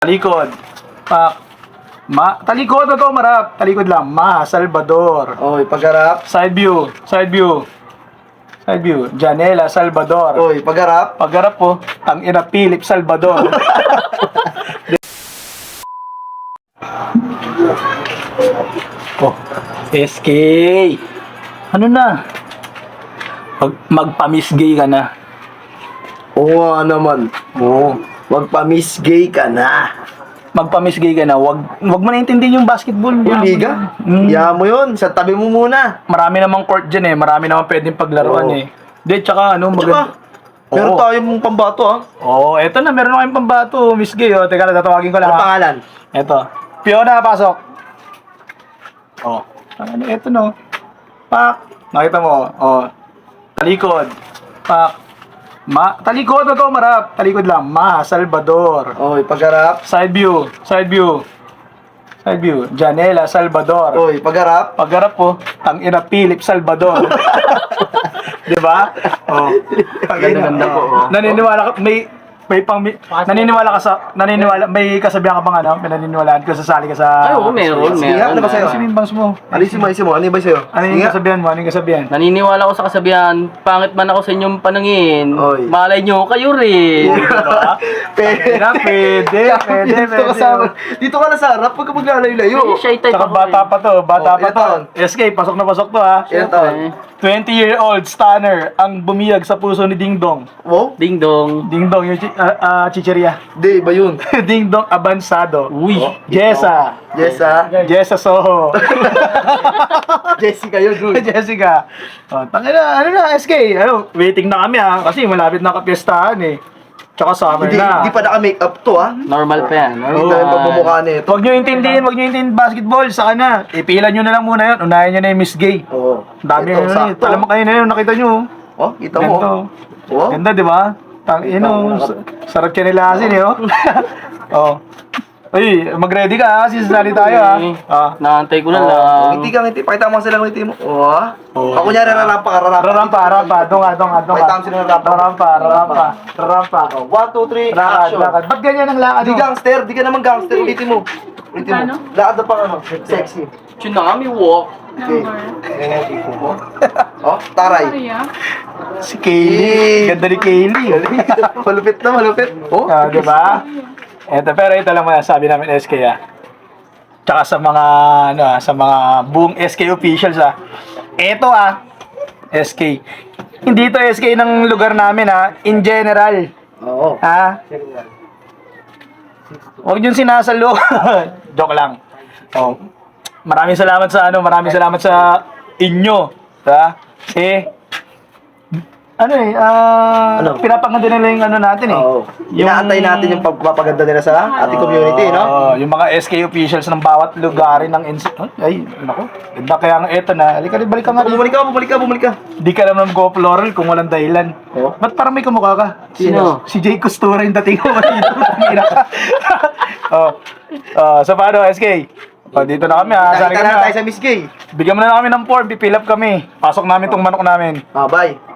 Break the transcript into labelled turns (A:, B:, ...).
A: Talikod. Talikod na to, marap. Talikod lang. Salvador.
B: Oy, pagharap.
A: Side view. Side view. Side view. Janela, Salvador.
B: Oy, pagharap.
A: Pagharap po, ang ina Philip Salvador. Oh, SK. Ano na? Magpa-miss gay ka na.
B: Oo nga naman.
A: Oo.
B: Wag pa miss gay ka na.
A: Magpa-miss gay ka na. Wag mo na intindihin yung basketball.
B: Yung liga? Yaman mo yun. Sa tabi mo muna.
A: Marami namang court dyan eh. Marami namang pwedeng paglaruan
B: Oo.
A: eh. Di, tsaka ano, maganda.
B: Meron tayo mong pambato
A: Oo, eto na. Meron na kayong pambato. Miss gay, oh. Teka lang, tatawagin ko lang.
B: Ano
A: ha.
B: pangalan?
A: Eto. Fiona, pasok. Oh. Ano, eto no. Pak. Nakita mo. Oh. Talikod. Pak. Talikod na to, marap. Talikod lang. Salvador.
B: Oy, pagharap.
A: Side view. Side view. Side view. Janela, Salvador.
B: Oy, pagharap.
A: Pagharap po, ang ina Philip Salvador. Di ba? Oh.
B: Ganda po.
A: Naniniwala ka, naniniwala, may kasabihan ka bang ano? May naniniwalaan ka, sasali ka sa...
C: Ay, oo, meron.
B: Sige, ano ba sa'yo?
A: Ano yung bangs mo?
B: Alisin mo. Ano ba sa'yo?
A: Ano yung kasabihan mo? Ano yung kasabihan?
C: Naniniwala ko sa kasabihan, pangit man ako sa inyong panangin,
B: Oy.
C: malay nyo, kayo rin.
A: Diba? Pwede.
B: Dito ka na sa harap. Huwag ka maglalayo-layo.
C: Shy type
A: Saka
C: ako
A: bata
C: eh.
A: pa to, bata
B: Oh,
A: pa to.
B: ilan
A: SK, pasok na pasok to ha.
B: Ilan taon?
A: 20-year-old stunner ang bumiyag sa puso ni Ding Dong.
B: Wow?
C: Ding dong.
A: Ding Dong, yung chicheria.
B: Di, ba yun?
A: Ding Dong Abansado.
C: Uy.
A: Jessa. Jessa Soho.
B: Jessica yun, dude.
A: Jessica. Oh, tangina, ano na, SK? Waiting na kami ha. Kasi malapit na kapiestahan eh. Tsaka summer na.
B: Hindi pa naka-make up to,
C: Normal pa yan.
B: Hindi tayo pagmumukha nito.
A: Huwag nyo intindihin basketball. Saka na. Ipilan nyo na lang muna yun. Unahin nyo na yung Miss Gay.
B: Oo.
A: Dami
B: Ito,
A: yun eh.
B: sakto.
A: Alam mo kayo na yun, nakita nyo.
B: Oh, kita mo.
A: Ganda.
B: Oh.
A: Ganda, di ba? Sarap siya nila asin eh, oh. Oh. Uy, mag-ready ka ha, sisali tayo ha.
C: Naantay ko na
B: Oh,
C: lang.
B: ngiti ka, ngiti. Pakita mo sila ng ngiti mo. Oh.
A: Oh.
B: Ako niya, rarampa ka,
A: Rarampa. Donga.
B: Pakita mo sila ng rarampa.
A: Rarampa.
B: 1, 2, 3, action.
A: Lakad. Ba't ganyan ang lakad
B: Di
A: mo?
B: gangster, di ka naman gangster. Ulitin mo. Lakad na pang sexy.
C: Tsunami walk.
B: Okay. Ganyan tipo mo. Oh, taray.
A: Si Kaylee. Ganda ni Kaylee.
B: Malupit na, malupit. Oh,
A: Di ba? Pero ito lang sabi namin SK ah. Tsaka sa mga sa mga buong SK officials ah. Ito SK. Hindi to SK ng lugar namin in general.
B: Oo.
A: Ha? Huwag niyo sinasalo. Joke lang. Oh. Maraming salamat sa inyo, ha? Pinapaganda nila yung natin eh.
B: Oo. Inaantay natin yung pagpapaganda nila sa ating community, no?
A: Yung mga SK officials ng bawat lugar ng ay, nako. Ganda kaya nga eto na. Halika, balik ka nga.
B: Bumalik ka.
A: Di ka naman mag-go-floral kung walang dahilan.
B: Oh.
A: Ba't parang may kamukha ka?
C: Sino?
A: Si Jay Costura yung dating ko. So paano, SK? Dito na kami ha. Sali
B: Nakita
A: kami
B: na tayo sa Miss Gay.
A: Bigyan mo na kami ng form, pipil up kami. Pasok namin tong manok namin.
B: Bye.